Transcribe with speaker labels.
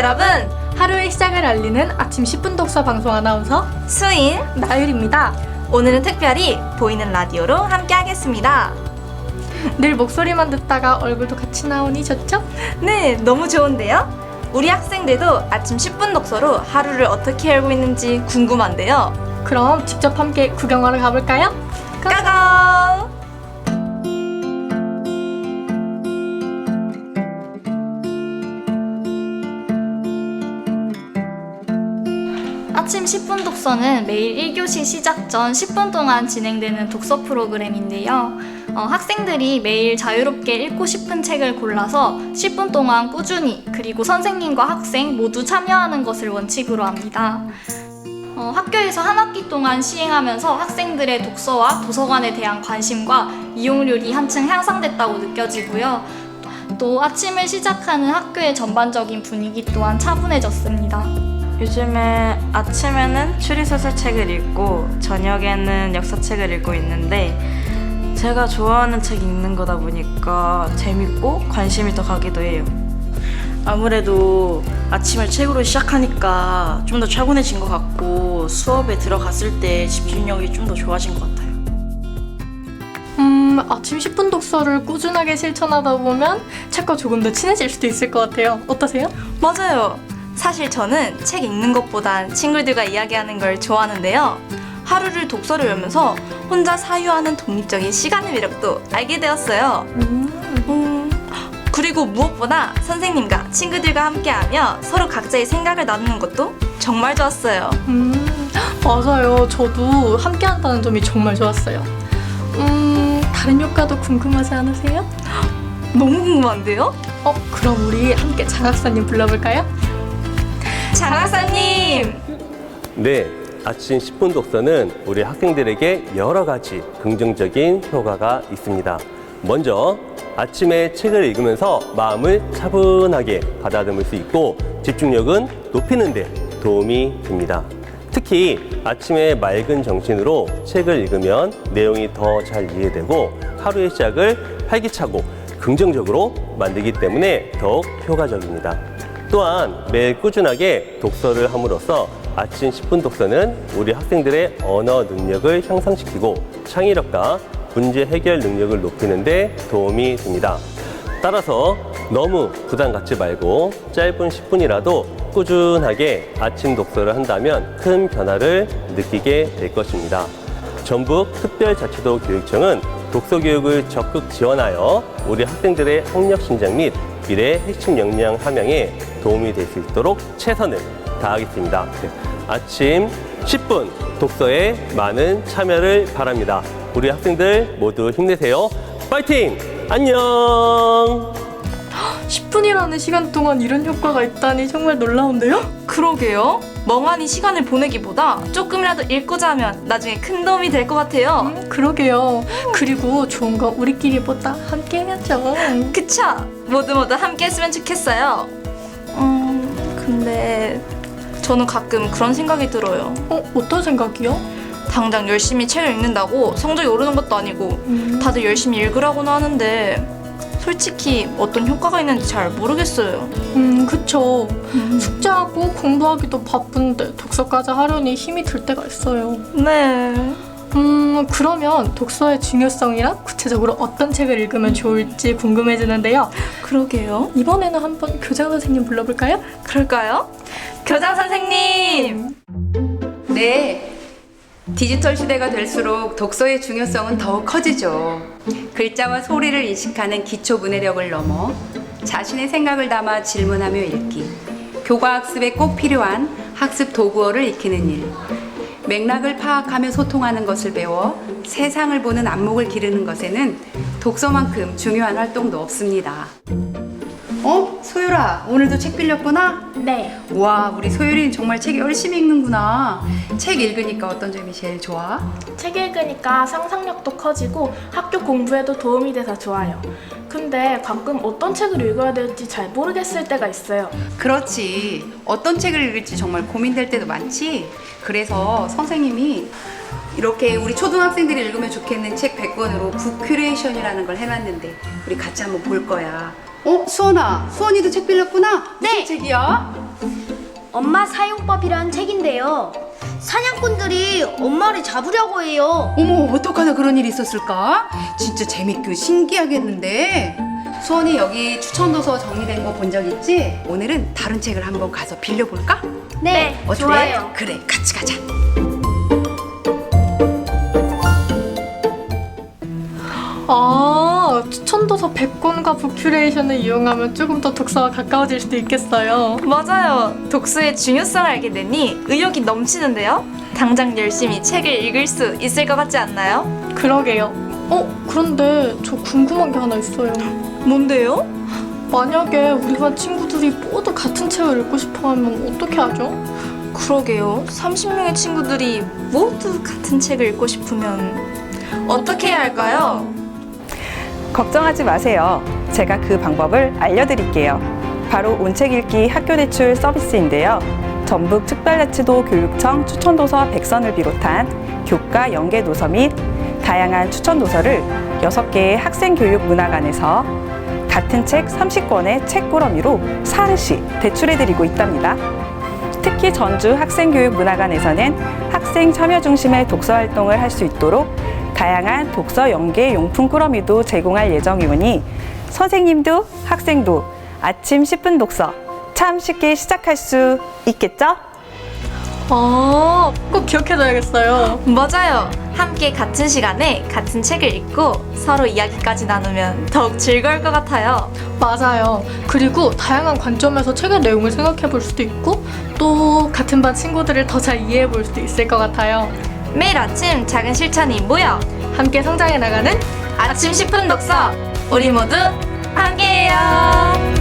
Speaker 1: 여러분,
Speaker 2: 하루의 시작을 알리는 아침 10분 독서 방송 아나운서
Speaker 1: 수인
Speaker 2: 나율입니다.
Speaker 1: 오늘은 특별히 보이는 라디오로 함께 하겠습니다.
Speaker 2: 늘 목소리만 듣다가 얼굴도 같이 나오니 좋죠?
Speaker 1: 네, 너무 좋은데요? 우리 학생들도 아침 10분 독서로 하루를 어떻게 열고 있는지 궁금한데요.
Speaker 2: 그럼 직접 함께 구경하러 가볼까요?
Speaker 1: 까강!
Speaker 3: 아침 10분 독서는 매일 1교시 시작 전 10분 동안 진행되는 독서 프로그램인데요. 학생들이 매일 자유롭게 읽고 싶은 책을 골라서 10분 동안 꾸준히 그리고 선생님과 학생 모두 참여하는 것을 원칙으로 합니다. 학교에서 한 학기 동안 시행하면서 학생들의 독서와 도서관에 대한 관심과 이용률이 한층 향상됐다고 느껴지고요. 또 아침을 시작하는 학교의 전반적인 분위기 또한 차분해졌습니다.
Speaker 1: 요즘에 아침에는 추리소설책을 읽고 저녁에는 역사책을 읽고 있는데 제가 좋아하는 책 읽는 거다 보니까 재밌고 관심이 더 가기도 해요.
Speaker 4: 아무래도 아침을 책으로 시작하니까 좀 더 차분해진 것 같고 수업에 들어갔을 때 집중력이 좀 더 좋아진 것 같아요.
Speaker 2: 아침 10분 독서를 꾸준하게 실천하다 보면 책과 조금 더 친해질 수도 있을 것 같아요. 어떠세요?
Speaker 1: 맞아요. 사실 저는 책 읽는 것보단 친구들과 이야기하는 걸 좋아하는데요. 하루를 독서를 열면서 혼자 사유하는 독립적인 시간의 매력도 알게 되었어요. 그리고 무엇보다 선생님과 친구들과 함께하며 서로 각자의 생각을 나누는 것도 정말 좋았어요.
Speaker 2: 맞아요. 저도 함께 한다는 점이 정말 좋았어요. 다른 효과도 궁금하지 않으세요?
Speaker 1: 너무 궁금한데요?
Speaker 2: 그럼 우리 함께 장학사님 불러볼까요?
Speaker 1: 장학사님!
Speaker 5: 네, 아침 10분 독서는 우리 학생들에게 여러 가지 긍정적인 효과가 있습니다. 먼저 아침에 책을 읽으면서 마음을 차분하게 가다듬을 수 있고 집중력은 높이는 데 도움이 됩니다. 특히 아침에 맑은 정신으로 책을 읽으면 내용이 더 잘 이해되고 하루의 시작을 활기차고 긍정적으로 만들기 때문에 더욱 효과적입니다. 또한 매일 꾸준하게 독서를 함으로써 아침 10분 독서는 우리 학생들의 언어 능력을 향상시키고 창의력과 문제 해결 능력을 높이는 데 도움이 됩니다. 따라서 너무 부담 갖지 말고 짧은 10분이라도 꾸준하게 아침 독서를 한다면 큰 변화를 느끼게 될 것입니다. 전북 특별자치도 교육청은 독서 교육을 적극 지원하여 우리 학생들의 학력 신장 및 미래 핵심 역량 함양에 도움이 될 수 있도록 최선을 다하겠습니다. 아침 10분 독서에 많은 참여를 바랍니다. 우리 학생들 모두 힘내세요. 파이팅! 안녕!
Speaker 2: 10분이라는 시간 동안 이런 효과가 있다니 정말 놀라운데요?
Speaker 1: 그러게요. 멍하니 시간을 보내기보다 조금이라도 읽고 자면 나중에 큰 도움이 될 것 같아요.
Speaker 2: 그러게요. 그리고 좋은 건 우리끼리보다 함께 해야죠.
Speaker 1: 그쵸? 모두 함께 했으면 좋겠어요. 근데 저는 가끔 그런 생각이 들어요.
Speaker 2: 어떤 생각이요?
Speaker 1: 당장 열심히 책을 읽는다고 성적이 오르는 것도 아니고 다들 열심히 읽으라고는 하는데 솔직히 어떤 효과가 있는지 잘 모르겠어요.
Speaker 2: 그쵸. 숙제하고 공부하기도 바쁜데 독서까지 하려니 힘이 들 때가 있어요.
Speaker 1: 네.
Speaker 2: 그러면 독서의 중요성이랑 구체적으로 어떤 책을 읽으면 좋을지 궁금해지는데요.
Speaker 1: 그러게요.
Speaker 2: 이번에는 한번 교장 선생님 불러볼까요?
Speaker 1: 그럴까요? 교장 선생님!
Speaker 6: 네. 디지털 시대가 될수록 독서의 중요성은 더욱 커지죠. 글자와 소리를 인식하는 기초 문해력을 넘어 자신의 생각을 담아 질문하며 읽기, 교과학습에 꼭 필요한 학습 도구어를 익히는 일, 맥락을 파악하며 소통하는 것을 배워 세상을 보는 안목을 기르는 것에는 독서만큼 중요한 활동도 없습니다. 소율아, 오늘도 책 빌렸구나?
Speaker 3: 네.
Speaker 6: 와, 우리 소율이는 정말 책 열심히 읽는구나. 책 읽으니까 어떤 점이 제일 좋아?
Speaker 7: 책 읽으니까 상상력도 커지고 학교 공부에도 도움이 돼서 좋아요. 근데 가끔 어떤 책을 읽어야 될지 잘 모르겠을 때가 있어요.
Speaker 6: 그렇지. 어떤 책을 읽을지 정말 고민될 때도 많지. 그래서 선생님이 이렇게 우리 초등학생들이 읽으면 좋겠는 책 100권으로 북 큐레이션이라는 걸 해놨는데 우리 같이 한번 볼 거야. 수원아, 수원이도 책 빌렸구나? 무슨 책이야?
Speaker 8: 엄마 사용법이란 책인데요. 사냥꾼들이 엄마를 잡으려고 해요.
Speaker 6: 어머, 어떡하나 그런 일이 있었을까? 진짜 재밌고 신기하겠는데. 수원이 여기 추천도서 정리된 거 본 적 있지? 오늘은 다른 책을 한번 가서 빌려볼까?
Speaker 8: 네,
Speaker 6: 어때?
Speaker 8: 좋아요.
Speaker 6: 그래, 같이 가자.
Speaker 2: 추천도서 100권과 북큐레이션을 이용하면 조금 더 독서와 가까워질 수도 있겠어요.
Speaker 1: 맞아요. 독서의 중요성을 알게 되니 의욕이 넘치는데요. 당장 열심히 책을 읽을 수 있을 것 같지 않나요?
Speaker 2: 그러게요. 그런데 저 궁금한 게 하나 있어요.
Speaker 1: 뭔데요?
Speaker 2: 만약에 우리 반 친구들이 모두 같은 책을 읽고 싶어 하면 어떻게 하죠?
Speaker 1: 그러게요. 30명의 친구들이 모두 같은 책을 읽고 싶으면 어떻게 해야 할까요?
Speaker 9: 걱정하지 마세요. 제가 그 방법을 알려드릴게요. 바로 온책 읽기 학교 대출 서비스인데요. 전북 특별자치도 교육청 추천도서 100선을 비롯한 교과 연계 도서 및 다양한 추천도서를 6개의 학생교육문화관에서 같은 책 30권의 책꾸러미로 사르시 대출해드리고 있답니다. 특히 전주 학생교육문화관에서는 학생 참여 중심의 독서활동을 할 수 있도록 다양한 독서 연계 용품 꾸러미도 제공할 예정이오니 선생님도 학생도 아침 10분 독서 참 쉽게 시작할 수 있겠죠?
Speaker 2: 꼭 기억해둬야겠어요.
Speaker 1: 맞아요. 함께 같은 시간에 같은 책을 읽고 서로 이야기까지 나누면 더욱 즐거울 것 같아요.
Speaker 2: 맞아요. 그리고 다양한 관점에서 책의 내용을 생각해볼 수도 있고 또 같은 반 친구들을 더 잘 이해해볼 수도 있을 것 같아요.
Speaker 1: 매일 아침 작은 실천이 모여
Speaker 2: 함께 성장해 나가는
Speaker 1: 아침 10분 독서 우리 모두 함께해요.